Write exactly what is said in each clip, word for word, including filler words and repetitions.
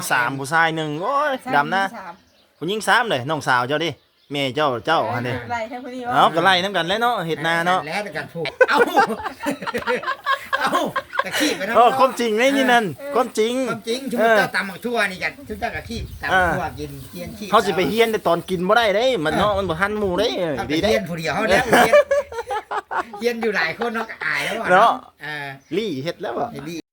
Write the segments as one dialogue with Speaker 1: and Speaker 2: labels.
Speaker 1: สามผู้ชายหนึ่งโอ้ยดำนะผู้หญิงสามเลยน้องสาวเจ้าดิแม่เจ้าเจ้าอันนี้เอาก็ไล่น้ำกันแล้วเนาะเห็ดนาเนาะ
Speaker 2: แล้วกันผูกเอ้าเอ้าตะขี้ไปนะ
Speaker 1: โอ้ความจริงเลยนี่นั่นความจริง
Speaker 2: ความจริงชุบเจ้าตำหมักทั่วนี่กันชุบเจ้ากะขี้ตำทั่วกินเกียนขี้
Speaker 1: เขาสิไปเฮียนแต่ตอนกินบ่ได้เด้มันเนาะมันบ่ทันหมู่เด้ดีเด้
Speaker 2: เฮียนผู้เดียวเขาเนี่ยเฮียนอยู่หลายคนเนาะอายแล้วเนาะเออ
Speaker 1: ลี่เฮ็ดแล้วบ่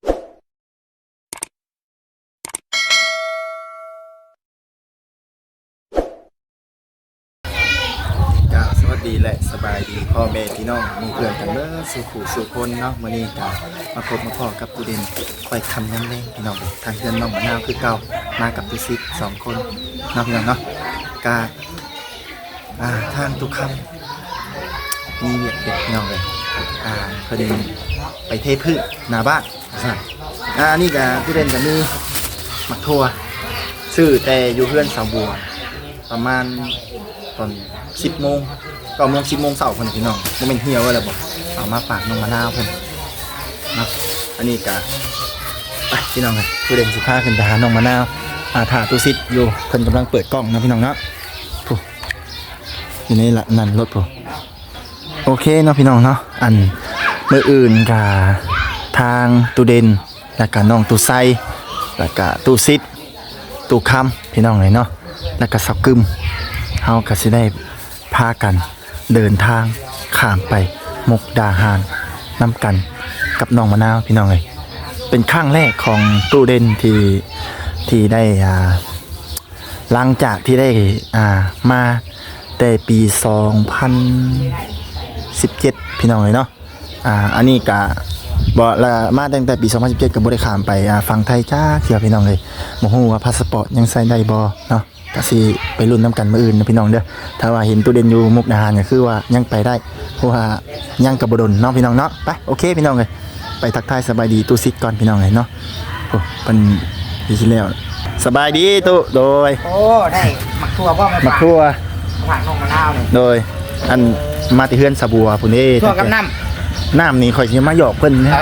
Speaker 1: สวัสดีและสบายดีพ่อแม่พี่น้องมีเพื่อนกันเด้อสู่ผู้สู่คนเนาะมื้อนี้ก็มาพบมาพอกับตูเด่นไปทำน้ำแรงพี่น้องทางเพื่อนน้องมะนาวคือเก่ามากับตูซิกสองคนเนาะพี่น้องเนาะกาอ่าทางตุกคำมีเวียดเด็ดพี่น้องเลยอ่าเพิ่นไปเทพืชหน้าบ้านอ่านี่ก็ตูเด่นก็มีหมักทั่วซื้อแต่อยู่เพื่อนสาวบัวประมาณตอนสิบโมงก็โมงสิบโมงเสาร์เพิ่นพี่น้องบ่แม่นเหี่ยวอะไรบ่เอามาฝากน้องมะนาวเพิ่นนะอันนี้ก็ไปพี่น้องเลยผู้เด่นสิพาขึ้นไปหาน้องมะนาวอาถาตุซิดอยู่เพิ่นกำลังเปิดกล้องนะพี่น้องเนาะผู้อยู่ในละนั่นรถผู้โอเคเนาะพี่น้องเนาะอันมื้ออื่นก็ทางตูเด่นแล้วก็น้องตูไซแล้วก็ตูซิดตูคำพี่น้องเลยเนาะแล้วก็สักกึมเฮาก็สิได้พากันเดินทางข้ามไปมุกดาหารนำกันกับน้องมะนาวพี่น้องเลยเป็นครั้งแรกของตู้เด่นที่ที่ได้อ่าหลังจากที่ได้อ่ามาแต่ปีสองพันสิบเจ็ดพี่น้องเลยเนาะอ่าอันนี้ก็บ่ละมาตั้งแต่ปีสองพันสิบเจ็ดก็บ่ได้ข้ามไปอ่าฝั่งไทยจ้าเที่ยวพี่น้องเลยบ่ฮู้ว่าพาสปอร์ตยังใช้ได้บ่เนาะก็สิไปรุ่นน้ำกันมื้ออื่นนะพี่น้องเด้อถ้าว่าเห็นตู้เด่นอยู่มุกดาหารก็คือว่ายังไปได้เพราะว่ายังกับบดลเนาะพี่น้องเนาะไปโอเคพี่น้องเลยไปทักทายสบายดีตู้ซิดก่อนพี่น้องเลยเนาะโอ้เป็นดีที่แล้วสบายดีตู้โดย
Speaker 2: โอ้ได้หมักทั่วบ่มา
Speaker 1: หมักทั่ว
Speaker 2: ฝากน้องมะนาวนี่
Speaker 1: โดยอันมาที่เฮือนสะบัวพุ่นเด้
Speaker 2: ทั่วกับน้
Speaker 1: ำน้ำนี่ข่อยสิมาหยอกเพิ่นนะ
Speaker 2: เอ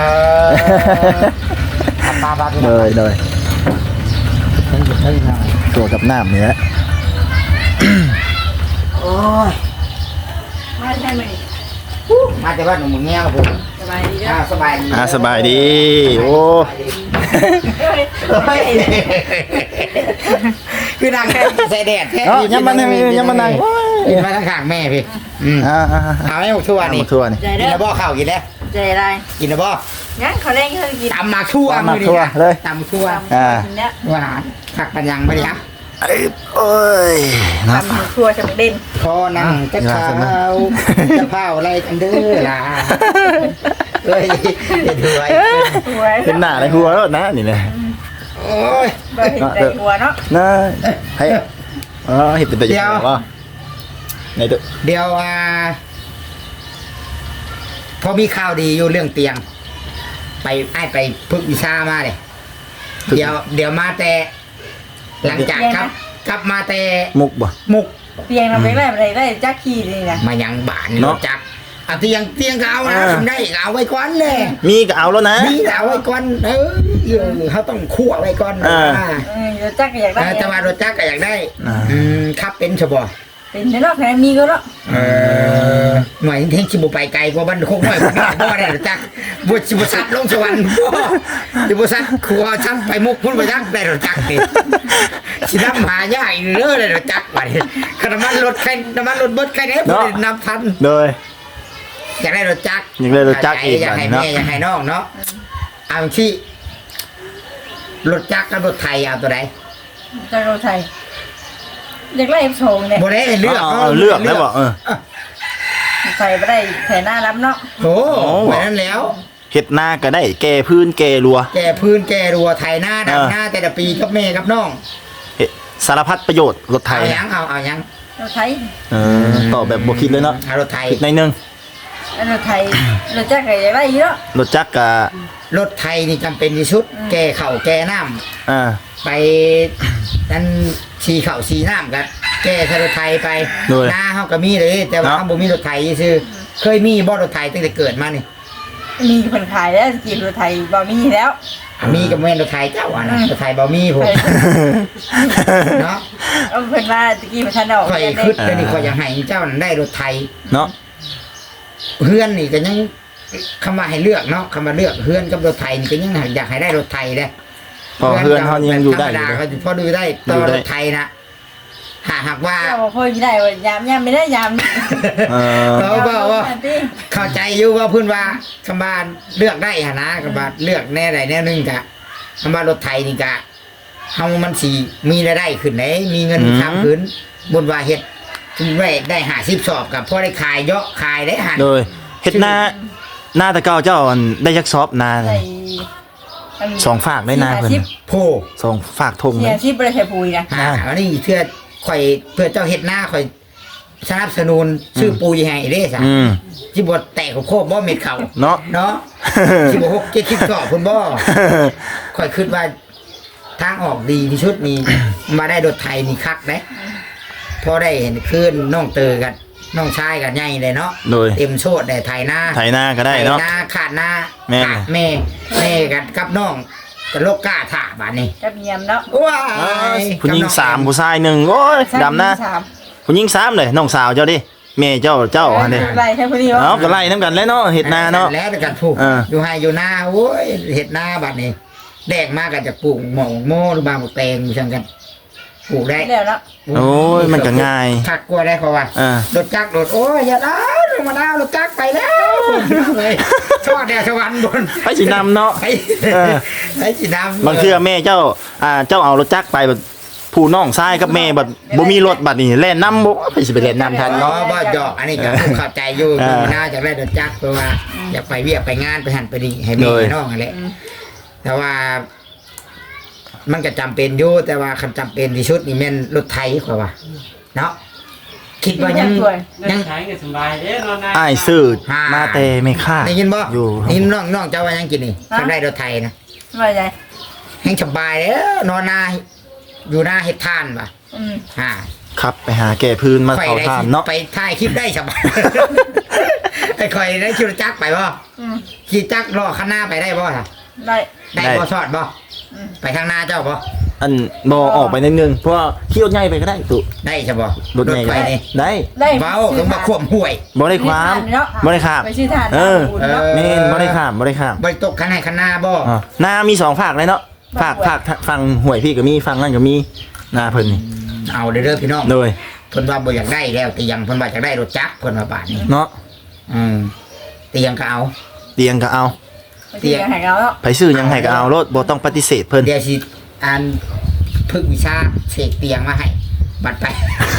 Speaker 2: อปลาปลา
Speaker 1: โดยโดยตัวกับน้ำนี่แหละ
Speaker 2: โอ้ย
Speaker 3: มาใช่ไหม
Speaker 2: มาจากบ้านหนุ่มเงี้ยครับผม
Speaker 3: สบายดี
Speaker 2: อ่าสบายดี
Speaker 1: อ่าสบายดีโอ้
Speaker 2: คือนางแค่ใส่แดดแค่
Speaker 1: ยังมันยังมันนาง
Speaker 2: กินมาข้างๆแม่พี่
Speaker 1: อ่า
Speaker 2: เอาให้หมดทั่วนี่
Speaker 1: ทั่วนี่
Speaker 2: กินแล้วบ่ข้าวกินแล้ว
Speaker 3: ใจอะไร
Speaker 2: กินแล้วบ่
Speaker 3: งั้นเขาเล่นเขากิน
Speaker 2: ตำมาทั่ว
Speaker 1: มาทั่วเลย
Speaker 2: ตำทั่ว
Speaker 1: อ่า
Speaker 2: หวานผักปัญญังไปครับ
Speaker 1: โอ้ย
Speaker 3: ตำหมูทั่วจะเด่น
Speaker 2: พอนั่งจะเผาจะเผาอะไรกันเด้อล่ะเฮ้ยเด็ดหัว
Speaker 1: เป็นหน้าในหัวแล้วนะนี่เลย
Speaker 2: โอ้ย
Speaker 3: เห็นใจหัวเนาะ
Speaker 1: น่าให้อ๋อเห็นเป็นตัวอย่างว่าในตัว
Speaker 2: เดี๋ยวอ่าพอมีข่าวดีอยู่เรื่องเตียงไปไอ้ไปพึกวิชามาเลยเดี๋ยวเดี๋ยวมาแต่หลังจากครับกลับมาแต่
Speaker 1: มุกบ่
Speaker 2: มุก
Speaker 3: เตียงเราไปได้อะไรได้จักขี้เลยนะ
Speaker 2: มายังบ้านเนาะจักเอาเตียงเตียงก็เอานะทำได้เอาไว้ก่อนเลย
Speaker 1: มีก็เอาแล้วนะ
Speaker 2: มีเอาไว้ก่อนเออเขาต้องคั่วไว้ก่อน
Speaker 3: เออจักก็อยากได้
Speaker 2: แต่ว่ารถจักก็อยากได้อืมครับเป็นฉบับ
Speaker 3: เป็นเนาะแค่มีก็แล้ว
Speaker 2: เออหน่วยเทคชิบุไปไกลกว่าบ้านโคกน้อยบ่ได้รถจักบุชิบุสัตลงสวรรค์บ่บุสัตครัวชั้นไปมุกพุ่นไปจักได้รถจักนี่สิน้ำหายากอีกเด้อเลยรถจักไปน้ำมันรถใครน้ำมันรถเบิดใครเนี่ยบ่ได้นับทัน
Speaker 1: โดย
Speaker 2: อยากได้รถจักร
Speaker 1: อยากได้รถจักรอีก
Speaker 2: อยากให้แม่อยากให้น้องเนาะเอาที่รถจักรกับรถไทยเอาตัวไหน
Speaker 3: จักรรถไทยอยากได้โชงเนี่ย
Speaker 2: บ่ได้เลือก
Speaker 1: เอาเลือกแล้วบอกเออ
Speaker 3: ใส่ไปได้ใส่หน้ารับเนาะ
Speaker 2: โอ้ไปนั้นแล้ว
Speaker 1: เห็ดหน้าก็ได้แก่พื้นแก่รัว
Speaker 2: แก่พื้นแก่รัวไทยหน้าดำหน้าแต่ละปีกับแม่กับน้อง
Speaker 1: สารพัดประโยชน์รถไทย
Speaker 2: เอายังเอาเอายัง
Speaker 3: รถไทย
Speaker 1: เออต่อแบบบวคิดเลยเนาะ
Speaker 2: รถไทย
Speaker 1: ในนึง
Speaker 3: รถไทยรถจักรก็อยากได้เยอะ
Speaker 1: รถจักรกับ
Speaker 2: รถไทยนี่จำเป็นที่สุดแก่เข่าแก่น้ำ
Speaker 1: อ่า
Speaker 2: ไปนั่นชีเข่าชีน้ำกันแก่รถไทยไปหน้าเขาก็มีเลยแต่ว่าเขาบ่มีรถไทยซื่อเคยมีบ่รถไทยตั้งแต่เกิดมานี่
Speaker 3: มีคนขายแล้วกีบรถไทยบ่มีแล้ว
Speaker 2: อ่ะมีก็แม่นรถไทยเจ้าอ่ะนะรถไทยบ่มีผมเนาะ
Speaker 3: เอาเพิ่นว่าตะกี้มันทันออก
Speaker 2: ข่อย
Speaker 3: เรียน
Speaker 2: คิด
Speaker 3: เด้
Speaker 2: เดี๋ยวนี้ข่อยอยากให้เจ้านั่นได้รถไทย
Speaker 1: เนาะ
Speaker 2: เพื่อนนี่ก็ยังคำว่าให้เลือกเนาะคำว่าเลือกเพื่อนกับรถไทยนี่ก็ยังอยากให้ได้รถไทยเด้
Speaker 1: พอเพื่อนเขายังอยู่ได้
Speaker 2: ธรรม
Speaker 1: อยู่
Speaker 2: ดา
Speaker 1: เลย
Speaker 2: เขาพอดูได้ต่อรถไทยนะหากหากว่า
Speaker 3: เจ้าบ่ค่อยมีได้ว่ายามยามไม่ได้ยามนี่
Speaker 1: เออ
Speaker 2: เขาบอกว่า
Speaker 3: ยมติ
Speaker 2: เข้าใจอยู่ว่าเพื้นว่าคำว่าเลือกได้หะนะคำว่าเลือกแน่ใดแน่หนึงกะคำว่ารถไทยนี่กะเฮามันสีมีรายได้ขึ้นไหนมีเงินทำขึ้นบนว่าเฮ็ดได้ได้หาสิบสอบกับพอได้ขายเยอะขายได้หัน
Speaker 1: โดยเฮ็ดหน้าหน้าตะเกาเจ้าอันได้ยักซอบนา
Speaker 3: ใส่อัน
Speaker 1: สองฝากได้นาเพิ่น
Speaker 3: สี่ห้าสิบ
Speaker 2: โพ
Speaker 1: สองฝากทง
Speaker 3: เสี
Speaker 1: เลย ย
Speaker 3: ชีพบ่ได้ใช้ปุ๋ยนะ
Speaker 2: อ่าอันนี้เพื่อข่อยเพื่อเจ้าเฮ็ดหน้าข่อยสนับสนุนชื่อปูยให้เด้ซะ
Speaker 1: อืม
Speaker 2: สิบ่แตกโคบบ่เม็ดเขา
Speaker 1: เนาะ
Speaker 2: เนาะสิบ่หกเจ็ดสิบสอบพุ่นบ่ข่อยคิดว่าทางออกดีที่สุดนี่ มาได้รถไทยนี่คักเด้พอได้เห็นคืนน้องเตอกันน้องชายกันใหญ่เลยเนาะ
Speaker 1: โดย
Speaker 2: เต็มโชดได้ไทยหน้า
Speaker 1: ไถนาก็ได้เนาะ
Speaker 2: ไถนาขาดหน้า
Speaker 1: แม่
Speaker 2: ขาดแม่แม่กันกับน้องกับโลกกล้าถ่าบาดนี้
Speaker 3: กับเมียมเนาะ
Speaker 2: ว้า
Speaker 1: เออย ผู้หญิงสามผู้ชายหนึ่งโอ้ยดำนะ
Speaker 3: สาม
Speaker 1: ผู้หญิงสามเลยน้องสาวเจ้าดิแม่เจ้าเจ้าอันนี้
Speaker 3: ไรแค่พอดีวะ
Speaker 1: เอาก็ไล่น้ำกันแล้วเนาะเฮ็ดนาเนาะ
Speaker 2: แล้วแต่กันผูก
Speaker 1: เออ
Speaker 2: อยู่ไฮอยู่หน้าโอ้ยเห็ดหน้าบัดนี้แดกมากกันจะปลูกหมองโม่หรือบางหมกแตงอยู่ช่างกันปลูกได้
Speaker 3: แล้วเนาะ
Speaker 1: โอ้ยมันก็ง่าย
Speaker 2: ทักกลัวได้เขาว่า
Speaker 1: เออ
Speaker 2: รถจักรรถโอ้ยอย่าได้ลงมาดาวรถจักรไปแล้วเลยชอดแดดสวรรค์บน
Speaker 1: ไปสินำเนาะ
Speaker 2: ไป
Speaker 1: เออ
Speaker 2: ไปสีดำ
Speaker 1: บางเทื่อแม่เจ้าอ่าเจ้าเอารถจักรไปแบบผู้น้องชายกับแม่บัดบ่มีรถบัดนี่แล่นนํบ่ไปสิไปเล่นนํทัน
Speaker 2: เนาะ
Speaker 1: เนาะ
Speaker 2: บ่หยอกอันนี้ก็เข้าใจอยู่
Speaker 1: เออ
Speaker 2: น่าจะได้รถจักรเพราะว่าอยากไปเวียกไปงานไปหันไปดีให้แม่
Speaker 1: โดย
Speaker 2: ให้น้องอะไรแต่ว่า มันก็จำเป็นอยู่แต่ว่าคำจำเป็นที่สุดนี่แม่นรถไทยกว่าว่าเนาะคิดว่ายัง
Speaker 3: สวย
Speaker 2: ยัง
Speaker 4: ใช้ก็สบายเด้นอนนา
Speaker 1: อ้ายซื้อมาแต่ไม่ค่า
Speaker 2: ได้ยินบ่
Speaker 1: อยู่
Speaker 2: ได้ยินน้องน้องเจ้าว่ายังกินนี่ทำได้รถไทยนะ
Speaker 3: ว่าใจ
Speaker 2: แห่งสบายแล้วนอนนาอยู่หน้าเฮ็ดทานป่ะ
Speaker 3: อืม
Speaker 2: อ่า
Speaker 1: ครับไปหาแก่พื้นมา
Speaker 2: ข่อย
Speaker 1: เผา
Speaker 2: ได้
Speaker 1: ทาน
Speaker 2: คลิป
Speaker 1: เนาะ
Speaker 2: ไปถ่ายคลิปได้สบาย ไอ้ข่อยได้ขี่รถจักรไปบ่
Speaker 3: อืม
Speaker 2: ขี่จักรรอข้างหน้าไปได้บ่ล่ะ
Speaker 3: ได้
Speaker 2: ได้บ่ชอดบ่
Speaker 3: อืม
Speaker 2: ไปทางหน้าเจ้าบ่
Speaker 1: อันบ่ออกไปนิดนึงเพราะว่าขี่รถใหญ่ไปก็ได้ตุ
Speaker 2: ได้ใช่บ่
Speaker 1: รถใหญ่
Speaker 2: ไฟ
Speaker 1: ก็ได้
Speaker 2: นี่
Speaker 1: ได้
Speaker 3: ได้
Speaker 2: เว้าต้องมาควบห่วย
Speaker 1: บ่ได้ความบ่ได้ข้าม
Speaker 3: ไปชื่อทาน
Speaker 1: เออ
Speaker 3: เนาะ
Speaker 2: เออ
Speaker 1: แม่นบ่ได้ข้ามบ่ได้ข้าม
Speaker 2: บ่ได้ตกข้างในข้างหน้าบ่
Speaker 1: อ่านามีสองฝากเลยเนาะฝากฝากฟังหวยพี่ก็มีฟังนั่นก็มีนาเพิ่นนี่
Speaker 2: เอาเด้อเด้อพี่น้อง
Speaker 1: โดย
Speaker 2: เพิ่นว่าบ่อยากได้แล้วแต่ยังเพิ่นว่าอยากได้รถจักรเพิ่นว่าบาดนี้
Speaker 1: เนาะ
Speaker 2: อืมแต่ยังก็เอา
Speaker 1: เตียงก็เอา
Speaker 3: ไปชื่อแห่งเราเนาะ
Speaker 1: ไผซื้อยังให้ก็เอารถบ่ต้องปฏิเสธเพิ่น
Speaker 2: เดี๋ยวสิอ่านฝึกวิชาเสกเตียงมาให้บัดไป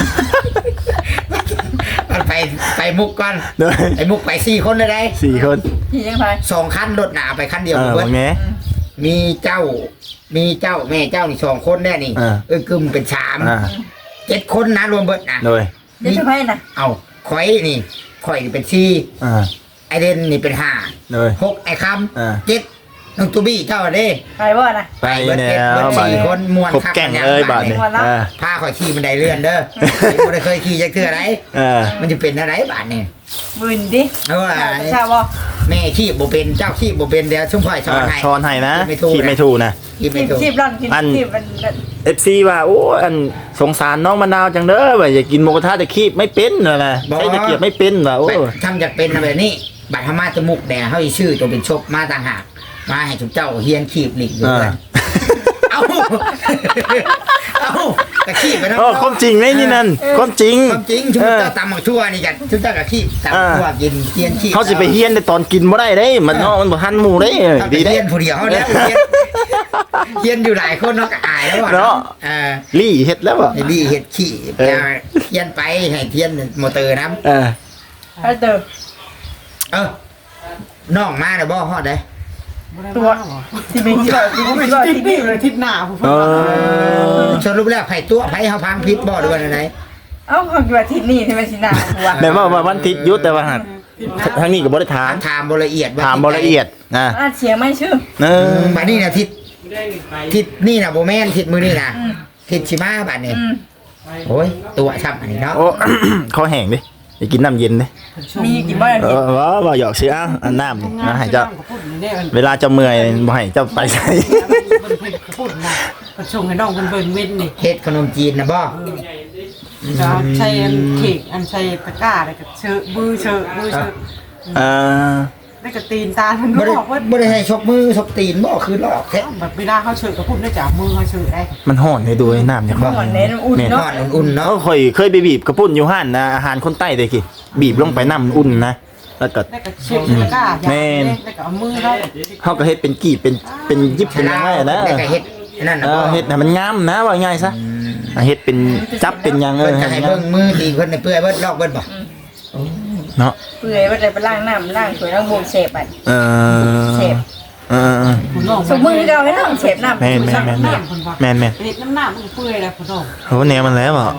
Speaker 2: บัดไปไปมุกก่อน
Speaker 1: โดย
Speaker 2: ไอ้มุกไปสี่คนเลยได้
Speaker 1: สี่คน
Speaker 3: ที่ยังไง
Speaker 2: สองคันรถหนาไปคันเดียว
Speaker 1: เออ
Speaker 2: เบิด
Speaker 1: ว่าไง
Speaker 2: มีเจ้า มีเจ้าแม่เจ้านี่สองคนแน่นี่
Speaker 1: เออ
Speaker 2: เออกึมเป็นสาม
Speaker 1: อ่า
Speaker 2: เจ็ดคนนะรวมเบิดนะ
Speaker 1: โดย
Speaker 3: เดี๋ยวจะไปนะ
Speaker 2: เอาข่อยนี่ข่อยนี่เป็นสี่
Speaker 1: อ่า
Speaker 2: ไอเดนนี่เป็นห้า
Speaker 1: โดย
Speaker 2: หกไอค
Speaker 1: อ่า
Speaker 2: ำเจ็ดน้องตูบี้เจ้าเด้
Speaker 3: ไปบ่นะ
Speaker 1: ไป
Speaker 2: เบิด
Speaker 1: แล้
Speaker 2: เจ็ดเบิด
Speaker 1: วบัด
Speaker 2: สี่
Speaker 1: นี้
Speaker 2: คนมวน
Speaker 1: ครบ
Speaker 2: คัก
Speaker 1: แก่ง
Speaker 2: กัน
Speaker 1: เลย
Speaker 2: ยัง
Speaker 1: บัดนี้
Speaker 3: บัดนี้
Speaker 1: อ่า
Speaker 2: พาข่อยขี่บันไดเลื่อนเด้อ ไม่ได้เคยขี่จักเทื่อไร
Speaker 1: เออ
Speaker 2: มันจะเป็นอะไรบาดนี่
Speaker 3: บืนดิ
Speaker 2: เออ
Speaker 3: ทราบบ่
Speaker 2: แม่ขี่บ่เป็นเจ้าขี่บ่เป็นเดี๋ยวชุ่มพ่อยสอน
Speaker 1: อ่า
Speaker 2: ให้
Speaker 1: ช้อนให้นะ
Speaker 2: ไม่ถูก
Speaker 1: ขีดไม่ถูกนะ
Speaker 2: ขี่ไม่
Speaker 3: ชีบ
Speaker 2: ถูก
Speaker 3: ชีบร่อนกิน
Speaker 1: อัน
Speaker 3: ชีบมัน
Speaker 1: เอฟซีว่าโอ้อันสงสารน้องมะนาวจังเด้อว่าอย่ากินหมูกระทะแต่คีบไม่เป็นน่ะนะใช้ตะเกียบไม่เป็นว่ะโอ้
Speaker 2: ทำจากเป็นแบบนี้บัตรธรรมาจมูกแดงเฮาอีชื่อตัวเป็นชบมาต่างหากมาให้ทุกเจ้าเฮียนขีบหลีกอยู่
Speaker 1: อ่า
Speaker 2: กันเอ้าเอ้าตะขีบไปนะ
Speaker 1: โอ้ความจริงไงนี่นั่นความจริง
Speaker 2: ความจริงชุบ
Speaker 1: เออ
Speaker 2: เจ้าตำหมักชั่วนี่กันชุบเจ้ากับขีบตำหมักชั่วกินเฮียนขีบ
Speaker 1: เขาสิไปเฮียนในตอนกินบ่ได้เด้ มันเนาะมันบ่ทันหมู่เด้
Speaker 2: ถ้าไป
Speaker 1: ดีเด้
Speaker 2: เฮียนผู้เดียวเนี่ยเฮียนเฮียนอยู่หลายคนเนาะก็อายแล้วว่ะ
Speaker 1: เนาะ
Speaker 2: เออ
Speaker 1: ลี่เฮ็ดแล้วบ่
Speaker 2: ไอ้ดีเฮ็ดขี้
Speaker 1: เออ
Speaker 2: เฮียนไปให้เฮียนมอเตอร์น้ำ
Speaker 1: เออ
Speaker 3: ไปเติม
Speaker 2: เออน้องมาเด้อบ่ฮอดเด้
Speaker 3: ตัวที่มีที่ที่มีที่
Speaker 4: ทิศนี่เลยทิศหน้าผม
Speaker 1: เออ
Speaker 2: สรุปแล้วไผตัวไผเฮาพังพิษบ่หรือว่าได
Speaker 3: เอ้าเขาคิดว่าที่นี่ที่มันสินาหัว
Speaker 1: แต่ว่าว่าวันติดยุทธแต่ว่าหัดทางนี้ก็บ่ได้ถาม
Speaker 2: ถามบ่ละเอียดว่า
Speaker 1: ถามบ่ละเอียดนะ
Speaker 3: อ่าเสียงไม่ชื่อ
Speaker 1: เอ
Speaker 2: เอ
Speaker 1: อ
Speaker 2: อบัดนี้น่ะทิศ
Speaker 4: ได้หนึ่งไป
Speaker 2: ทิศนี่น่ะบ่แม่นทิศมื้อนี่น่ะ
Speaker 3: อืม
Speaker 2: ทิศสิมาบัดนี้
Speaker 3: อืม
Speaker 2: โอ้ยตัวช้ำอันนี้เนาะ
Speaker 1: โอ้ คอแห้งดิอย่ากินน้ำเย็นเด้
Speaker 3: มีกินบ่
Speaker 1: เออบ่บ่หยอกซื้อเอาอันน้ำนี่นะให้เจ้า
Speaker 4: พูดนี่มัน
Speaker 1: เวลาเจ้าเมื่อยบ่ให้เจ้าไปใส่
Speaker 4: มันเพิ่นพูดนะมันส่งให้น้องเพิ่นเบิ่นเว้นนี่
Speaker 2: เฮ็ดขนมจีนนะบ่
Speaker 4: จะใช้อันเค้กอันใช้ตะกร้าแล้วก็เชอะมือเชอะมือเชอะ
Speaker 1: เออ
Speaker 4: แล้วก็ตีนตาเพิ่น
Speaker 2: บ่ได้
Speaker 4: บอกว่า
Speaker 2: บ่ได้ให้ชกมือชกตีนบ่คือลอกแท้
Speaker 4: แบบเวลาเขาเชอะก็พูดได้จากมือเขาเชอะได้
Speaker 1: มันฮ้อนให้ดูไอ้น้ำเนี่ย
Speaker 3: ก่อนเน้นอุ่น
Speaker 1: แม่น
Speaker 3: เนาะ
Speaker 2: ทอดอุ่นๆ
Speaker 1: เนาะ
Speaker 2: เนาะ
Speaker 1: ค่อยเคยไปบีบกระปุ้นอยู่ห้านนะอาหารคนใต้เด้กี่บีบลงไปน้ำอุ่นนะแล้วก็
Speaker 4: แล้วก็เช็ดตะกร้าอย่างนี้แล้วก็เอามือเขา
Speaker 1: เฮาก็เฮ็ดเป็นกีบเป็นเป็นยิบเป็นยังไงนะ
Speaker 2: แล้วก็เฮ็ดนั่น
Speaker 1: เอ
Speaker 2: น่ะบ่
Speaker 1: อเฮ็ดให้มันงามนะว่าง่ายซะอ่ะเฮ็ดเป็นจับเป็นหยังเอ
Speaker 2: เพิ่
Speaker 1: อน
Speaker 2: ก็
Speaker 1: ให้
Speaker 2: ให้
Speaker 1: งา
Speaker 2: เบิ่
Speaker 1: ม
Speaker 2: งมือดีเพิ่นน่ะเปื่อยเบิดลอกเบิดบ่
Speaker 1: เนาะ
Speaker 3: เปื่อยว่าจะไปล้างน้ำล้างถ้วยล้างโบกเสพอ่ะ
Speaker 1: เออ
Speaker 3: เสพ
Speaker 1: เออเออ
Speaker 4: คุณน้อง
Speaker 3: สมมือเราให้น้ำเสพน้ำ
Speaker 1: แม่นแม่นแม่นแม่นแม่นแม่น
Speaker 4: เห็ดน้ำหน้ามันเปื่อยแล้วคุณน้อง
Speaker 1: โหแนวมันแล้วบ่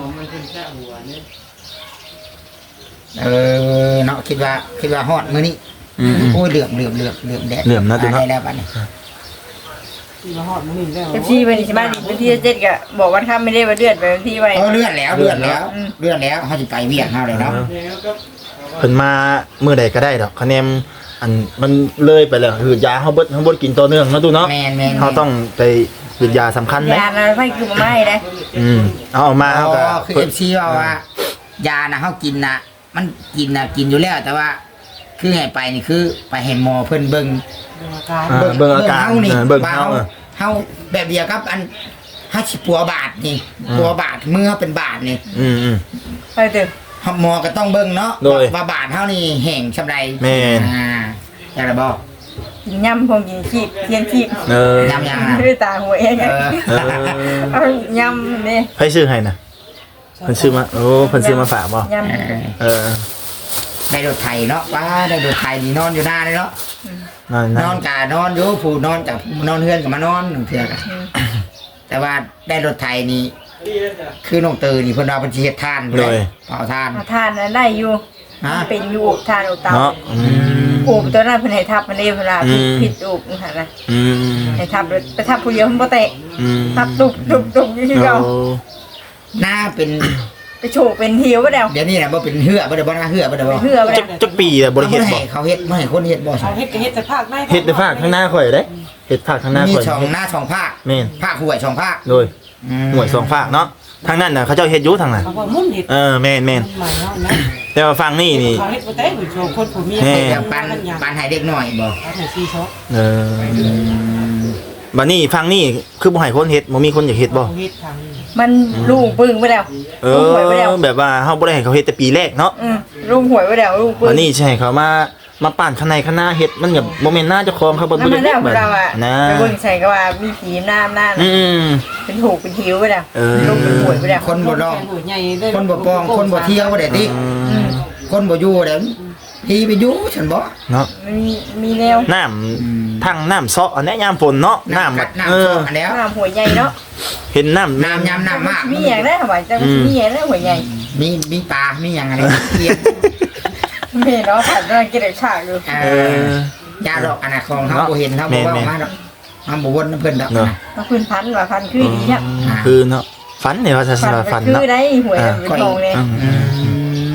Speaker 2: เออเนาะคิดว่าคิดว่าฮอดมื้อนี้
Speaker 1: อืม
Speaker 2: โอ้ยเหลื่อมเหลื่อมเหลื่อมเหลื่อมแดด
Speaker 1: เหลื่อมนะดูเนาะ
Speaker 2: ได้แล้วบัดนี้
Speaker 4: ที่มาหอดมันนี่แล้ว
Speaker 3: เอฟซีไปที่บ้านอีกวันที่เจ็ดก็บอกวันข้ามไม่ได้มาเดือดไปวันที่ไว้
Speaker 2: เออเลื่อนแล้วเลื่อนแล้วเลื่อนแล้วเฮาสิไปเวียดเฮาเลยเนาะ
Speaker 1: เพิ่นมามื้อใดก็ได้ดอกคะแนนอันมันเลยไปแล้วคือยาเฮาเบิดเฮาบ่กินต่อเนื่องเนาะตูเนาะ
Speaker 2: แม่นแม่น
Speaker 1: เฮาต้องไปหยุดยาสำคัญนะ
Speaker 3: ยาเราไม่คือมาไม่นะ
Speaker 1: อืมเอาออกมา
Speaker 2: อ๋
Speaker 1: เฮาก็
Speaker 2: อคือ เอฟ ซี ว่าว่ายาน่ะเฮากินน่ะมันกินน่ะกินอยู่แล้วแต่ว่า คือให้ไปนี่คือไปให้หมอเพิ่นเบิ่ง
Speaker 4: ดูอาการ
Speaker 1: เออเบิ่งอาการ
Speaker 2: เฮานี่
Speaker 1: เออเบิ่ง
Speaker 2: ว่า
Speaker 1: เฮาเออ
Speaker 2: เฮาแบบเดียวกับอันเฮาสิปัวบาดนี่
Speaker 1: อืม
Speaker 2: ปัวบาดมือเฮาเป็นบาดนี่
Speaker 1: อืมอืม
Speaker 3: ไปเถอะ
Speaker 2: หมอก็ต้องเบิ่งเนาะ
Speaker 1: โดย
Speaker 2: ว่าบาดเฮานี่แห้งซำใด
Speaker 1: แม่น
Speaker 2: อ่าอยากจะบอก
Speaker 3: กินยำพงกินขีบเทียนขีบ
Speaker 1: เออย
Speaker 2: ำยังอ่ะ
Speaker 3: ด้วยตาหัวเอง
Speaker 2: เออ
Speaker 1: เออ
Speaker 3: เอายำนี่
Speaker 1: ให้ซื้อให้นะเพิ่นซื้อมาโอ้เพิ่นซื้อมาฝากบ่
Speaker 3: ยำ
Speaker 1: เออ
Speaker 2: ได้รถไถเนาะว่าได้รถไถนี่นอนอยู่หน้าเลยเนาะ
Speaker 1: นั่น
Speaker 2: น
Speaker 1: นะ
Speaker 2: อนกะนอนอยู่ผู้นอนกับนอนเฮือนกับมานอนหนึ่งเทื่อกะแต่ว่าได้รถไถนี่คือน้องเตยนี่เพิ่นว่าเพิ่นสิเฮ็ดทานเลยเผาทาน
Speaker 3: มาทานนั้นได้อยู่
Speaker 2: ฮะ
Speaker 3: เป็นอยู่อบทานอบเตา
Speaker 1: เนาะอืม
Speaker 3: โอบตัวนั้นเพิ่นให้ทับมันเองเวลา
Speaker 1: อืม
Speaker 3: ผิดโอบนะคะนะ
Speaker 1: อืม
Speaker 3: ให้ทับเลยไปทับผู้เดียวมันบ่เตะ
Speaker 1: อืม
Speaker 3: ทับตุบตุบตุบอยู่ที่เรา
Speaker 1: โอ้
Speaker 2: หน้าเป็น
Speaker 3: ไปโฉกเป็นเหี่ยวบ่แล้ว
Speaker 2: เดี๋ยวนี้น่ะบ่เป็นเหือบ่ได้บ่หน้าเหือบ่ได้บ่
Speaker 3: เหือบ่
Speaker 1: จั
Speaker 3: แล้
Speaker 1: ก
Speaker 3: ว
Speaker 1: จักปีอะบ่ได้เฮ็ด
Speaker 2: บ่
Speaker 1: บ่
Speaker 2: ให้เขาเฮ็ดบ่ให้คนเฮ็ดบ่
Speaker 4: เอาเฮ็ดก็เฮ็ดแต่ภาคได้
Speaker 1: เฮ็ดในภาคข้างหน้าข่อยเด้เฮ็ดภาคข้างหน้า
Speaker 2: มี
Speaker 1: ข่อย
Speaker 2: ช่องหน้าช่องภาค
Speaker 1: แม่น
Speaker 2: ภาคห้วยช่องภาค
Speaker 1: โดยหน่วยสองภาคเนาะทางนั้นน่ะเขาเจ้าเฮ็ดอยู่ทางนั้น
Speaker 4: เขาบอกมุ่นเฮ็ด
Speaker 1: เออแม่นแม่น
Speaker 4: ใหม่เนาะนะ
Speaker 1: แต่ว่าฟังนี่นี่
Speaker 4: เขาเฮ็ดบ่ได้ผู้ชมคนผู้มี
Speaker 1: แม่
Speaker 2: เดี๋ยวปันปันให้เด็กน้อยบ่
Speaker 4: เอาให้ซีช็อป
Speaker 1: เออบัดนี้ฟังนี่คือบ่ให้คนเฮ็ดบ่มีคนอยากเฮ็ดบ่
Speaker 4: เฮ็ดทางนี้
Speaker 3: มันลูกปึ้งไปแล้ว
Speaker 1: เอ
Speaker 3: ลูกหวยไปแล้ว
Speaker 1: อแบบว่าเฮาบ่ได้ให้เขาเฮ็ดแต่ปีแรกเนาะ
Speaker 3: อืมลูกหวยไปแล้วลูกปึ้ง
Speaker 1: บัดนี้ใช่เขามามาปั่นข้างในข้างหน้าเฮ็ดมันก็บ่แม่นหน้าเจ้าของเขาบ่
Speaker 3: นั่น
Speaker 1: ได้
Speaker 3: มันแล้ว
Speaker 1: แบบ
Speaker 3: เราอ่ะ
Speaker 1: นะ
Speaker 3: ไปเบิ่งใส่ก็ว่ามีผีหน้าหน้า
Speaker 1: อืม
Speaker 3: เป็นถูกเป็นหิวไปแล้ว
Speaker 1: เออ
Speaker 3: ลูกเป็นหวยไปแล้ว
Speaker 2: คนบ่ร้อง
Speaker 4: หัวใหญ่เด้อ
Speaker 2: คนบ่ปองคนบ่เที่ยวบ่ได้ติ
Speaker 3: อืม
Speaker 2: คนบ่อยู่เด้พี่ไปอยู่ฉันบ่
Speaker 1: เนาะ
Speaker 3: มันมีมีแนว
Speaker 1: น้ำทั้งน้ำเซาะอันนี้ยามฝนเนาะน้ำ
Speaker 2: กั
Speaker 1: แบบ
Speaker 2: น้ำ
Speaker 1: เออ
Speaker 2: อันแล้ว
Speaker 3: น้ำหัวใหญ่เนาะ
Speaker 1: เห็นน้ำ
Speaker 2: น้ำยำน้ำมาก
Speaker 3: มีอย่างได้ทำไมจังมีอย่างได้หัวใหญ่
Speaker 2: มีมีปลา มีอย่างอะไรเรียน
Speaker 3: แม่เนาะผ่านกำลังกินฉากอยู่
Speaker 2: เออยาดอกอนาคองเขาบ่เห็นเขาบ่ว่าออกมาดอกเขาบ่วนน้ำเพิ่นดอก
Speaker 1: เนาะ
Speaker 3: มาพื้นพันว่าพันคือดีเนี่ย
Speaker 1: คือเนาะฝันเนี่ยว่าจะส
Speaker 3: พัน
Speaker 1: ฝัน
Speaker 3: คื
Speaker 1: เนาะ
Speaker 3: อได้หวยเป็นทองเลย
Speaker 1: อืม
Speaker 2: อืม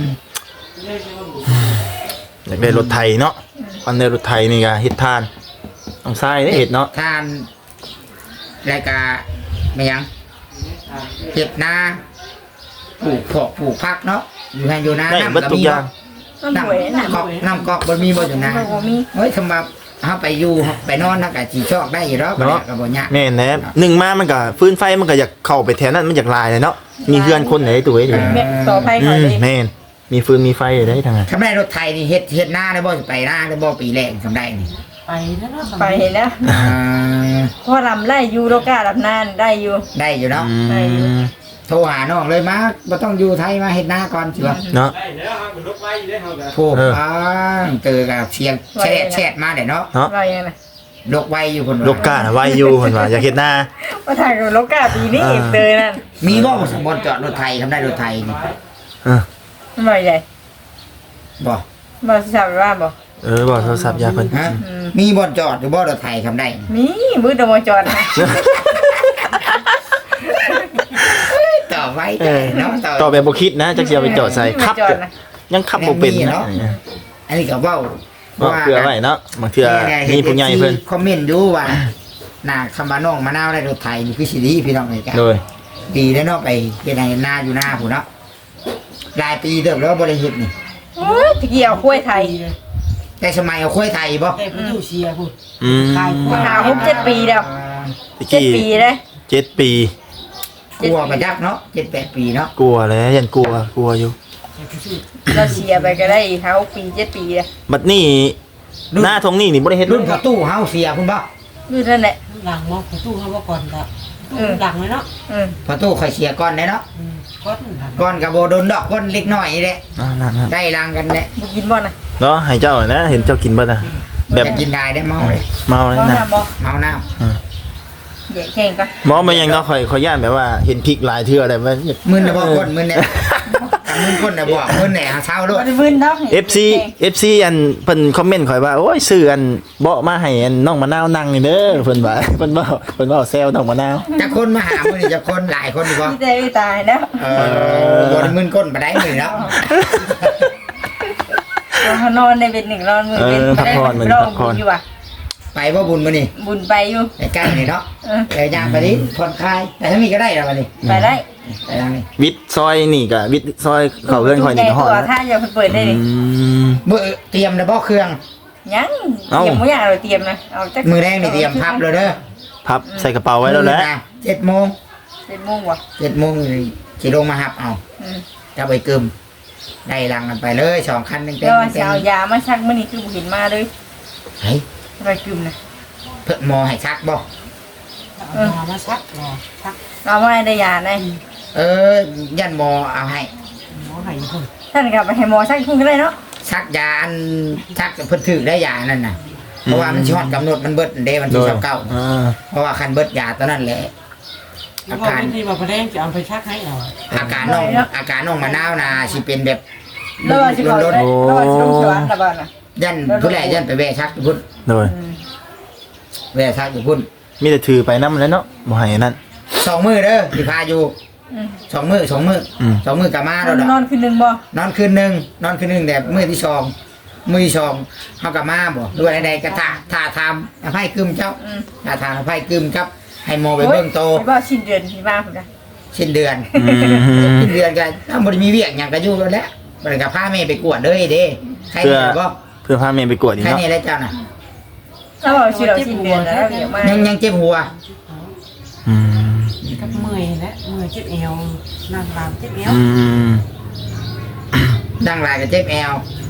Speaker 1: อยากได้รถไทยเนาะวันได้รถไทยนี่ก็เฮ็ดทานต้องใส่ได้เฮ็ดเนาะ
Speaker 2: ทานรายการไม่ยังเห็ดนาปลูกผักปลูกผักเนาะอยู่ให้อยู่นา
Speaker 1: ได้
Speaker 2: น้ำ
Speaker 1: เบิดทุกอย่าง
Speaker 3: น้ำหวยน้ำ
Speaker 2: กอกน้ำกอกบ่มีบ่อยู่นา
Speaker 3: มันบ่มี
Speaker 2: เฮ้ยสำหรับเฮาไปอยู่ไปนอนนักกะสิชอกได้อยู่ดอกบ่ได้ก็บ่ยาก
Speaker 1: แม่นแหละหนึ่งมามันก็ฟื้นไฟมันก็อยากเข้าไปแถวนั้นมันอยากลายเลยเนาะมีเพื่อนคนไหนตัวอยู่
Speaker 3: แม่ต่อไป
Speaker 1: อื
Speaker 3: เขา
Speaker 1: ม
Speaker 3: เลย
Speaker 1: แม่นมีฟืนมีไฟได้ทางนั้น
Speaker 2: ทำได้รถไทยนี่เฮ็ดเฮ็ดหน้าได้บ่สิไปหน้าได้บ่ปีแรกทำได้นี่
Speaker 4: ไปแล้วเนาะ
Speaker 3: ไปเห็นแล้ว
Speaker 2: อ่า
Speaker 3: พอรำไล่อยู่โลกาลำนานได้อยู่
Speaker 2: ได้อยู่เนาะ
Speaker 1: อืม
Speaker 2: โทรหาน้องเลยมาบ่ต้องอยู่ไทยมาเฮ็ดหน้าก่อนสิว่า
Speaker 1: เนาะ
Speaker 4: ได้แล้วเฮาก็ลบไว้ได้เฮาก็
Speaker 2: โทรอ่าเจอกับเสียงแชทแชทมาได้เนาะ
Speaker 1: เนาะ
Speaker 3: ว่ายังไง
Speaker 2: ลกไว้อยู่คน
Speaker 1: โลกาน่ะไว้อยู่เพิ่นว่าอยากเฮ็ดหน้า
Speaker 3: มาถ่ายกับโลกาปีนี้
Speaker 1: อ่า
Speaker 3: เตยนั่น
Speaker 2: มีบ่บ่จอดรถไทยทำได้รถไทยนี่
Speaker 1: เออ
Speaker 3: มาใหญ่
Speaker 2: บ่
Speaker 3: มาสาวว่าบ่
Speaker 1: เออบอกโทรศัพท์ยาเพิ่น
Speaker 2: ฮะมีบ่จอดหรือบ่รถไทยทำได้
Speaker 3: มีมือตะมจอดนะ
Speaker 2: ต่อไว้
Speaker 1: เออ
Speaker 2: เนาะต่อ
Speaker 1: ต่อแบบบ่คิดนะจักสิเอาไปจอดใส่ครับ
Speaker 3: จอดนะ
Speaker 1: ยังขับบ่เป็น
Speaker 2: แม่นมี
Speaker 1: เนาะ
Speaker 2: เนาะ อันนี้ก็เว้า
Speaker 1: ว่าเพื่อไว้เนาะบางเทื่อมีผู้ใหญ่เพิ่น
Speaker 2: คอมเมนต์อยู่ว่าหน้าคำว่าน้องมะนาวได้รถไถนี่คือสิดีพี่น้องนี่กัน
Speaker 1: โดย
Speaker 2: ดีแล้วเนาะไปเฮ็ดให้นาอยู่หน้าผู้เนาะหลายปีเติบแล้วบ่ได้เฮ็ดนี่
Speaker 3: โอ้ยตะกี้เอากล้วยไทย
Speaker 2: แต่สมัยเอาคุ้ยไทยบ่
Speaker 4: แต่ผู้อยู่เชียร์พูด
Speaker 1: อืม
Speaker 4: ขายกล้วย
Speaker 3: หาหกเจ็ดปีแล้ว
Speaker 1: ตะ
Speaker 3: เจ็ด
Speaker 1: กี้
Speaker 3: ปีเลย
Speaker 1: เจ็ดปี
Speaker 2: กลัวมาจักเนาะเจ็ดแปดปีเนาะ
Speaker 1: กลัวแล้วยันกลัวกลัวอยู่
Speaker 3: เราเชียร์ไปก็ได้อีกหาหกปีเจ็ดปีเลย
Speaker 1: บัดนี้หน้าทงนี่นี่บ่ได้เฮ็ด
Speaker 2: รุ่นประตูเฮาเสียคุณบ่
Speaker 3: อยู่นั่นแหละ
Speaker 4: หลังมองประตูเขาว่าก่อนแต่ตู้หลังเลยเนาะ
Speaker 3: อืม
Speaker 2: ประตูข่อยเสียก่อนได้เนาะ
Speaker 4: อืมก้อนหลัง
Speaker 2: ก่อนก็บ่โดนดอกก่อนเล็กน้อยนี่แหละ
Speaker 1: อ่านั่น
Speaker 2: ได้รางกันแหละ
Speaker 3: บุกินบ่นะ
Speaker 1: ๆเนาะให้เจ้านะเห็นเจ้ากินเบิดอ่ะแบบ
Speaker 2: จะกินได้ได้เมาเลย
Speaker 1: เมาเลย
Speaker 3: บ่
Speaker 1: นะ
Speaker 3: ทำบ่
Speaker 2: เมาน้ำ
Speaker 3: เดี๋ยวแข่งกัน
Speaker 1: หมอมันยังก็ค่อยค่อยย่านแบบว่าเห็นพริกหลายเทื่อได้ว่า
Speaker 2: มึนน่ะบ่คนมึนเนี่ยมึนคนน่ะบอกมึนแหน่หาเช้าโลด
Speaker 3: มันมึนเนาะ
Speaker 1: เอฟซี เอฟซี อันเพิ่นคอมเมนต์ข่อยว่าโอ้ยซื้ออันเบาะมาให้อันน้องมะนาวนั่งนี่เด้อเพิ่นว่าเพิ่นเว้าเพิ่นเว้าแซวน้องมะนาว
Speaker 2: จะคนมาหามื้อนี้จะคนหลายคนดีบ่
Speaker 3: พี่เต้ไม่ตายแล้ว
Speaker 2: เออบ่ได้มึนคนบ่ได้มื้อนี้เนาะ
Speaker 3: เขานอนในเป็นหนึ่งนอนมือเป็นอยู่อ่ะ
Speaker 2: ไปบ่บุญมื้อนี้
Speaker 3: บุญไปอยู่
Speaker 2: ใกล้ๆนี่เนาะ
Speaker 3: เออ
Speaker 2: เดี๋ยวยางไปดิผ่อนคลายแต่ถ้ามีก็ได้แล้วบัดนี้
Speaker 3: ไปได้
Speaker 2: ไปทางนี้
Speaker 1: วิทย์ซอยนี่ก็วิทย์ซอยเข้าเรือนข่อยนี่ก็ฮอด
Speaker 3: ตัว
Speaker 1: แล้ว
Speaker 3: ถ้าอย่าเปิดได้ดิ
Speaker 1: อืม
Speaker 2: มื้อเตรียมแล้วบ่เครื่อง
Speaker 3: ยังเตรียมไม่อยากเราเตรียมนะเอา
Speaker 2: มื้อแรกนี่เตรียมพับเลยเด้อ
Speaker 1: พับใส่กระเป๋าไว้แล้วแหละ
Speaker 2: เจ็ดโมง
Speaker 3: เป็นโมงวะ
Speaker 2: เจ็ดโมงนี่สิลงมาหับเอา
Speaker 3: อืม
Speaker 2: จะไปกึมได้รังกันไปเลยสองคันเต็มๆ
Speaker 3: เดี๋ยวจะเอายามาชักมื่อนี้คือบุหินมาเลย
Speaker 2: เฮ้ย
Speaker 3: ไปกึมนะ
Speaker 2: เพิ่นหมอให้ชักบ่
Speaker 4: เอามาชักรอชัก
Speaker 3: เราไม่ได้ยาได้
Speaker 2: เออยันหมอเอาให้
Speaker 4: หมอให้คน
Speaker 3: ท่านกลับไปให้หมอชักพุ่งก็ได้เนาะ
Speaker 2: ชักยาอันชักเพิ่นถือได้ยานั่นน่ะเพราะว่ามันสิฮอดกำหนดมันเบิดเด้วัน
Speaker 1: โด
Speaker 2: ที่
Speaker 1: ย
Speaker 2: สิบเก้า
Speaker 1: อ่า
Speaker 2: เพราะว่าคันเบิดยาตอนนั้นแหละ
Speaker 4: แล้วก็ไม่ดีมาประเด็นจะเอาไปชักให้เอา
Speaker 2: อาการน้องอาการน้องมะนาวน่ะสิเป็นแบบ
Speaker 3: แล้วว่าจะเขาได้แล้วว่าจะต้องชวนระบาดนะ
Speaker 2: ยันผู้แลยันไปแวะชักอยู่พุ่น
Speaker 1: โดย
Speaker 2: แวะชักอยู่พุ่น
Speaker 1: มีแต่ถือไปนำแล้วเนาะบ่ให้นั่น
Speaker 2: สองมื้อเด้อสิพาอยู่สองมื้อสองมื้ออ
Speaker 1: ม
Speaker 2: สองมื้อกลับมาแล้วดอก
Speaker 3: นอนคืนนึงบ่
Speaker 2: นอนคืนหนึ่งนอนคืนหนึ่งแต่มือที่สองมือที่สองเขากับมาบ่ด้วยใดๆก็ท่าท่าทำอภัยกึมเจ้าท่าทางอภัยกึมครับ ให้โมไปเบิ่งโต
Speaker 3: ไปบ่สิ้นเดือนที่มาพุ่นนะ
Speaker 2: สิ้นเดือน
Speaker 1: อืม
Speaker 2: สิ้นเดือนกันถ้าบ่ได้มีเวียกหยังก็อยู่แล้วแหละบ่ได้ก็พาแม่ไปกวดเด้อเด้ใคร
Speaker 1: เพื่อ
Speaker 2: นี่บ่
Speaker 1: เพื่อพาแม่ไปกวดอีก
Speaker 2: ใคร
Speaker 1: เนาะ
Speaker 2: นี่แล้วเจ้าน่ะ
Speaker 3: แล้วบอกชื่อเราสิ้นเดือนแล้วเดี๋ยวมา
Speaker 2: ยังยังเจ็บหัว
Speaker 1: อืม
Speaker 4: กับเมื่อยและเมื่อยเจ็บเอวนั่งรามเจ็บเอว
Speaker 1: อืม
Speaker 2: ดังหลายก็เจ็บแอว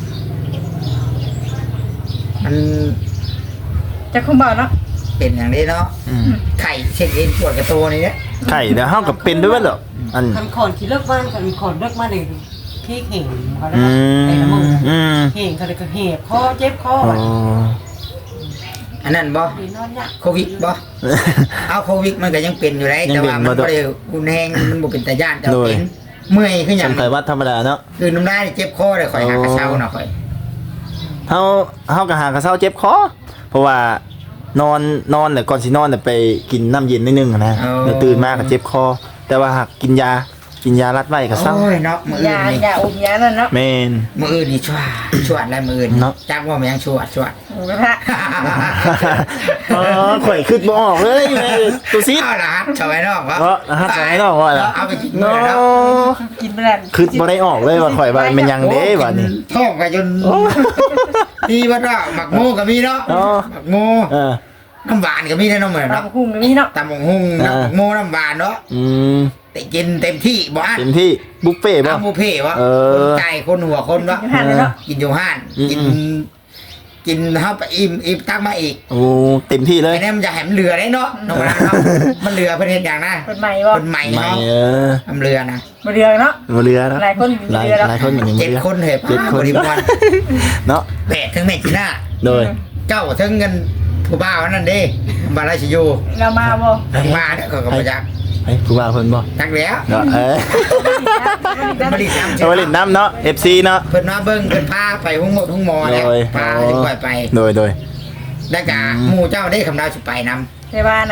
Speaker 2: มัน
Speaker 3: จะคุ้มบ่เนาะ
Speaker 2: เป็นอย่างนี้เนาะ
Speaker 1: อืม
Speaker 2: ไข่เช็ดเองปวดกระโตนี่เนี่ย
Speaker 1: ไข่เดี๋ยวเฮากับเป็นด้วยเว้ยเหรออัน
Speaker 4: คันขอนที่เลิกบ้านคันขอนเลิกมาเลยพี่เห่งเขาได้
Speaker 1: อื
Speaker 4: ไอ้
Speaker 1: ม
Speaker 4: ละมึง
Speaker 1: อืม
Speaker 4: เห่งเขาเลยก็เห็บคอเจ็บคอ
Speaker 1: อ๋อ
Speaker 2: อันนั้นบ่
Speaker 4: ดีนอนยาก
Speaker 2: โควิดบ่ เอาโควิดมันก็ยังเป็นอยู่ได้
Speaker 1: ยัง
Speaker 2: แต่
Speaker 1: เป็น
Speaker 2: ว่ามัน
Speaker 1: บ่
Speaker 2: บ่
Speaker 1: ต้อง
Speaker 2: ได้รุนแรงมันบ่เป็นตาย่านแต่
Speaker 1: โดย
Speaker 2: เป็นเมื่อยคือหยั
Speaker 1: ส
Speaker 2: ง
Speaker 1: มไขวัดธรรมดาเนาะ
Speaker 2: คือน้ำลายนี่เจ็บคอเลยข่อยหากระเช้าน่ะข่อย
Speaker 1: เฮาเฮาก็หากระเซ้าเจ็บคอเพราะว่านอนนอนแต่ก่อนสินอนน่ะไปกินน้ำเย็นนิดนึงอะนะแล้วตื่นมาก็เจ็บคอ แต่ว่าหากกินยากินยารัดไว้ก็เศร้า
Speaker 2: โอ้ยเนาะมื้ออื่
Speaker 3: ยาน
Speaker 2: นี่
Speaker 3: ยาอมยานั่นเนาะ
Speaker 1: แม่น
Speaker 2: มื้ออื่นนี่ชวดชวดแล้วมื้ออื่น
Speaker 1: เนาะ
Speaker 2: จักว่ามันยังชวดชวด
Speaker 3: หมูกระทะ
Speaker 1: อ๋อข่อยคิดบ่ออกเลยแม่ตัวซิด
Speaker 2: เอาละฮัทชาวไอ้นอกวะ
Speaker 1: เนาะรหัสชาวไอ้นอกว่าล่ะ
Speaker 2: เอาไปกินมื้อ
Speaker 1: เนาะ
Speaker 2: แล้ว
Speaker 3: กินไปแล้ว
Speaker 1: คิดบ่ได้ออกเลยว่าข่อยว่ามันยังเด้บัดนี้
Speaker 2: ท้องก็จนนี่ว่าว่าหมักโมก็มีเนาะ
Speaker 1: เนาะ
Speaker 2: หมักโม
Speaker 1: เออ
Speaker 2: น้ำหวานก็มีนะน้องเหมือนเนาะ
Speaker 3: ตำคุ้งนี่เนาะ
Speaker 2: ตำบักหุ่ง
Speaker 1: อ่า
Speaker 2: น้ำหมักโมน้ำหวานเนาะ
Speaker 1: อืม
Speaker 2: แต่กินเต็มที่บ่อั้น
Speaker 1: เต็มที่บุฟเฟ่ต์บ่
Speaker 2: ตามบุฟเฟ่ต์วะ
Speaker 1: เออ
Speaker 2: คนไก่คนหัวคนวะ
Speaker 3: กินหันเลยเนาะ
Speaker 2: กินอยู่ห้าน
Speaker 1: อืม
Speaker 2: กิน กินเข้าไปอิ่มอิ่มตักมาอีก
Speaker 1: โอ้เต็มที่เลย
Speaker 2: ไอ้นี่มันจะแหมเรือได้เนาะน้องนะเนาะมันเรือเพื่อนเห็นอย่างนะ
Speaker 3: เป็นใหม่บ่
Speaker 2: คนใหม่
Speaker 1: ไม่
Speaker 2: เนาะ
Speaker 1: เออ
Speaker 2: ทำเรือนะ
Speaker 3: มาเรืองเนาะ
Speaker 1: บ่เรือนะ
Speaker 3: หลายคนอยู่
Speaker 1: หลาย
Speaker 3: เรือแล้ว
Speaker 1: หลายคนอยู่ใน
Speaker 2: เจ็ด
Speaker 1: เรือ
Speaker 2: คนเหรอ
Speaker 1: เจ็ดคน
Speaker 2: บริวาร
Speaker 1: เนาะ
Speaker 2: แปดทั้งแม่จีน่า
Speaker 1: โดย
Speaker 2: เจ้าทั้งเงินผู้บ่าวนั่นเด้บาราชิโย
Speaker 3: เรามาบ่
Speaker 2: ทั้งมาเนี่ยก็กระจัก
Speaker 1: เฮ้ยผู้ว่าเพิ่นบ่
Speaker 2: จักแล้ว
Speaker 1: เนาะเออ
Speaker 2: บริษัท
Speaker 1: เอาไว้เล่นน้ำเนาะ เอฟ ซี เนาะ
Speaker 2: เพิ่นมาเบิ่งเพิ่นพาไปห้องหมดห้องหมอแล้ว
Speaker 1: โดย
Speaker 2: พาจะปล่อยไป
Speaker 1: โดยโดย
Speaker 2: แล้วก็
Speaker 1: อืม
Speaker 2: หมู่เจ้าได้คำดาวสิไปนำ
Speaker 3: ในบ้านนะ
Speaker 2: เท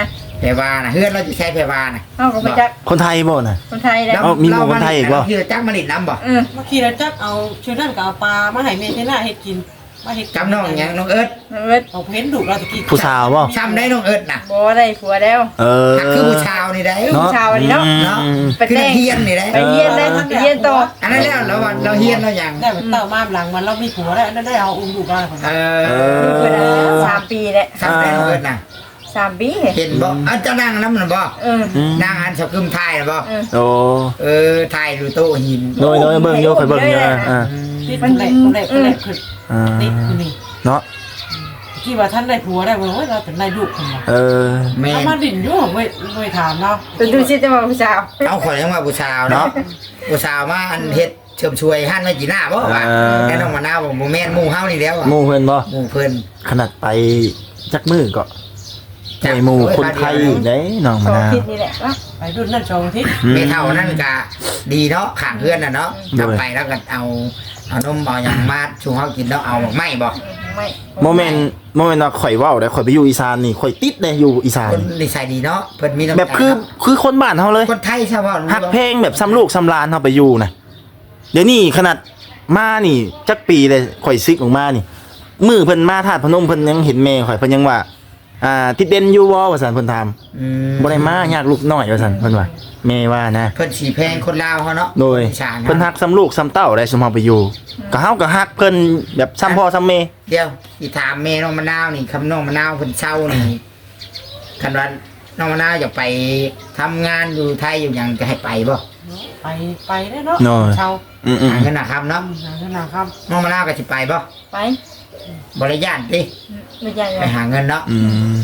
Speaker 2: พรวาน่ะเฮือนเราจะใช้แพรวาน่ะ
Speaker 3: เฮาก็ไปจัก
Speaker 1: คนไทยบ่น่ะ
Speaker 3: คนไทยแล้ว
Speaker 1: เอ้ามีหมู่คนไทยอีกบ่
Speaker 2: เฮือจักมาลิดน้ำบ่
Speaker 3: เออ
Speaker 4: เมื่อกี้เราจักเอาชื่อนั่นก็เอาปลามาให้แม่เทน่าเฮ็ดกินมาเฮ็ด
Speaker 2: จำน้องหยังน้องเอิร์ธ
Speaker 3: เอิ้น
Speaker 4: เอาเห็นดุเราตะกี้
Speaker 1: ผู้สาวบ่
Speaker 2: ช้ำได้น้องเอิร์ธน่ะ
Speaker 3: บ่ได้ผัวแล้ว
Speaker 1: เออ
Speaker 2: คือผู้ชาวนี่ได้
Speaker 3: เนาะ ชาวนี่เนาะ
Speaker 2: เนาะ
Speaker 1: อืม
Speaker 3: ไป
Speaker 2: คือ
Speaker 3: แต่
Speaker 2: นั
Speaker 3: ง
Speaker 2: กเฮียนนี่ได้
Speaker 3: ไปเรียนได้ไปเรียนต่อ
Speaker 2: อันนั้นแล้วเราว่าเราเฮียนเราอย่าง
Speaker 4: ได้เหมือนเต่ามาหลังมันเรามีผัวแล้วนั่นได้เอาอุ้มลูกได้คน
Speaker 2: เอ
Speaker 4: นั้น
Speaker 2: อ
Speaker 3: ลูกเพิ่นน่ะสามปีแหละ
Speaker 2: ช้ำได้น้องเอิร์ธน่ะ
Speaker 3: สามปี
Speaker 2: เห็นบ่อันเจ้านั่งน้ำน่ะบ่
Speaker 3: เออ
Speaker 1: อืม
Speaker 2: นั่งอันสกุมไทยน่ะบ่
Speaker 3: เออ
Speaker 1: โอ้
Speaker 2: เออไทยดูโต๊ะหิน
Speaker 1: โดยโดยเบิ่งอยู่ข่อยเบิ่งอยู่นะอ่า
Speaker 4: ติดคนแรกคนแรกคนแรกคือ
Speaker 1: อ่า
Speaker 4: ติดอยู่นี่
Speaker 1: เนาะ
Speaker 4: ที่ว่าท่านได้ผัวได้บ่ว่าเราเป็นได้ลูกคนบ่
Speaker 1: เออ
Speaker 2: แม่
Speaker 4: เอามาดิ่นอยู่เว้ยเว้ยถามเนาะ
Speaker 3: แต่ดูสิจะมาผู้สาว
Speaker 2: เอาข่อยยังว่าผู้ชาวเนาะผู้ชาวมาอันเฮ็ดเชิมช่วยหั่นไว้กี่หน้าบ่ว่าแน่น้องมะนาวบ่บ่แม่นหมู่เฮานี่แล้วอะ
Speaker 1: หมู่เพิ่นบ่
Speaker 2: หมู่เพิ่น
Speaker 1: ขนาดไปจักมือก็ใจหมู่คนไทยอีกเด้น้อง
Speaker 3: ส
Speaker 1: มะ
Speaker 3: อง
Speaker 1: นาว
Speaker 3: ทิศนี่แหละเนาะ
Speaker 4: ไปรุ่นนั่นสองทิศ
Speaker 1: อื
Speaker 2: เมเท่านั่นก็ดีเนาะข้างเพื่อนน่ะเนาะกลับไปแล้วก็เอาเอานมเอาหยังมาชูเฮากินแล้วเอาไม่บ่
Speaker 3: ไม่
Speaker 1: โมเมนต์โมเมนต์ว่าข่อยเว้าได้ข่อยไปอยู่อีสานนี่ข่อยติดเลยอยู่อีสาน
Speaker 2: คนนิสัยดีเนาะเพิ่นมีน้ำใจ
Speaker 1: แบบคือคือคนบ้านเฮาเลย
Speaker 2: คนไทยใช่ป่ะ
Speaker 1: ฮักเพลงแบบซ้ำลูกซ้ำหลานเฮาไปอยู่นะเดี๋ยวนี้ขนาดมานี่จักปีเลยข่อยซิกออกมานี่มือเพิ่นมาธาตุพนมเพิ่นยังเห็นแม่ข่อยเพิ่นยังว่าอ่าติดเด่นอยู่บ่ว่าซั่นเพิ่นถาม
Speaker 2: อืม
Speaker 1: บ่ได้มายากลูกน้อยว่าซั่นเพิ่นว่าแม่ว่านะ
Speaker 2: เพิ่นสีแพงคนลาวเขาเนาะ
Speaker 1: โดย
Speaker 2: อีสาน
Speaker 1: เพิ่นฮักซ้ำลูกซ้ำเต้าได้สมเฮาไปอยู่ก็เฮาก็ฮักเพิ่นแบบซ้ำพ่อซ้ำแม่
Speaker 2: เดี๋ยวสิถามแม่น้องมะนาวนี่คำน้องมะนาวเพิ่นเช่านี่คันว่าน้องมะนาวอยากไปทำงานอยู่ไทยอยู่หยังจะให้ไปบ่
Speaker 4: ไปไปได้เนาะ
Speaker 1: น้อย
Speaker 4: เช่า
Speaker 1: อืม
Speaker 2: หาเงินนะครับเนาะ
Speaker 4: หาเงินนะครับ
Speaker 2: น้องมะนาวก็สิไปบ่
Speaker 3: ไป
Speaker 2: บ่ได้ย่านติ
Speaker 3: ไม่ใช่
Speaker 2: ไปหาเงินเนาะ
Speaker 1: ๆอืม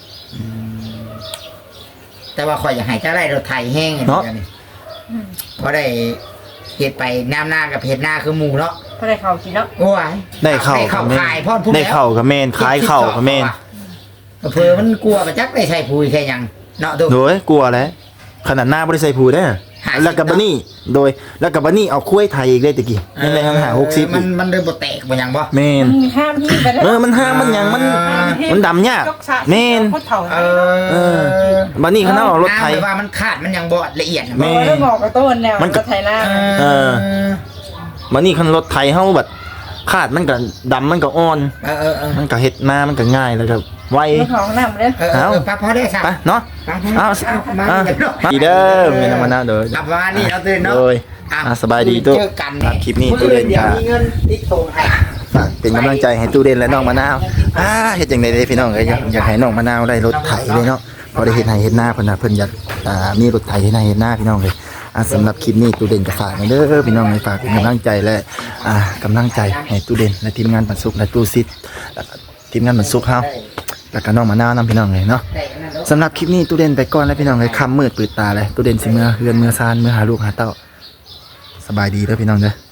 Speaker 2: แต่ว่าข่อยอยากให้เจ้าได้รถไถแห้งอย่าง
Speaker 1: เนาะ
Speaker 2: นี้นี่เพราะได้เฮ็ดไปน้ำหน้ากับเฮ็ดหน้าคือหมูเนาะ
Speaker 3: เพราะได้เขากินเนาะ
Speaker 2: โอ้ย
Speaker 1: ได้เข้า
Speaker 2: ได้เข้า
Speaker 1: กับแม่
Speaker 2: ขายพ่อพูด
Speaker 1: ได้เข้ากับแม่นขายเข้ากับแม่น
Speaker 2: เผื่อมันกลัวประจักได้ใช้ปุ๋ยแค่หยังเนาะดู
Speaker 1: โดยกลัวแล้วขนาดหน้าบริษัทผูได้อ
Speaker 2: หาสิบ
Speaker 1: แล้วกับบะนี่โดยแล้วกับบะนี่เอาคุ้ยไทยอีกได้ตะกี้ยังไงหาหกสิบ
Speaker 2: มันมันเลยบ่แตกบ่หยังบ่
Speaker 1: เมน
Speaker 3: มันห้ามที่ไปแล้ว
Speaker 1: เออมันห้ามมันหยังมันมันดำยาก
Speaker 4: ยกสระ
Speaker 1: เมน
Speaker 4: โคตรเถ่า
Speaker 2: เอ
Speaker 1: เออ
Speaker 2: อ
Speaker 1: บันนี่เขาเอารถไทย
Speaker 2: น้ำแบบว่ามันขาดมันยังบ่ละเอียดนะ
Speaker 1: แม่
Speaker 3: บอกแล้วบอกกับต้นแล้ว
Speaker 1: มันก็
Speaker 3: ก็ไทยหน้า
Speaker 1: เออ บันนี่คันรถไทยเฮาแบบขาดมันก็ดำมันก็อ่อน
Speaker 2: เออเออเออ
Speaker 1: มันก็เฮ็ดหน้ามันก็ง่ายแล้วก็ไว
Speaker 3: เรื่องของน้ำเลย
Speaker 2: เออเออเออพอพอได้ค่ะ
Speaker 1: ไปเนาะ
Speaker 2: เอา
Speaker 1: เอา
Speaker 2: มา
Speaker 1: เอา
Speaker 2: เดี๋ยวเนาะ
Speaker 1: ดีเด้อเมียนมานะเด้อ
Speaker 2: กลับมานี่เราตื่นเนาะ
Speaker 1: โดย
Speaker 2: อ่ะ
Speaker 1: อ่ะสบายดีตุ๊
Speaker 2: เจอกัน
Speaker 1: ครับคลิปนี้ตู้เล่น
Speaker 2: เดี๋ยว
Speaker 1: ค่ะ
Speaker 2: มีเงินติ๊กโทรให้
Speaker 1: ฝากเป็นกำลังใจให้ตู้เด่นและน้องมะนาวอ่าเฮ็ดจังได๋เด้พี่น้องเอ้ยอยากอยากให้น้องมะนาวได้รถไถเลยเนาะพอได้เฮ็ดให้เฮ็ดหน้าเพิ่นน่ะเพิ่นอยากอ่ามีรถไถเฮ็ดให้เฮ็ดหน้าพี่น้องเลยอ่าสำหรับคลิปนี้ตู้เด่นก็ฝากไว้เด้อพี่น้องให้ฝากเป็นกำลังใจและอ่ากำลังใจให้ตู้เด่นและทีมงานปันสุขและตู้ซิดแล้วก็ทีมงานปันสุขเฮาแล้วก็น้องมะนาวนำพี่น้องเลยเนาะ
Speaker 2: ได้อันนั้นเนาะ
Speaker 1: สำหรับคลิปนี้ตู้เด่นไปก่อนแล้วพี่น้องเลยค่ำมืดปืดตาเลยตู้เด่นสิเมื่อเฮือนเมื่อซานเมื่อหาลูกหาเต้าสบายดีเด้อพี่น้องเด้อ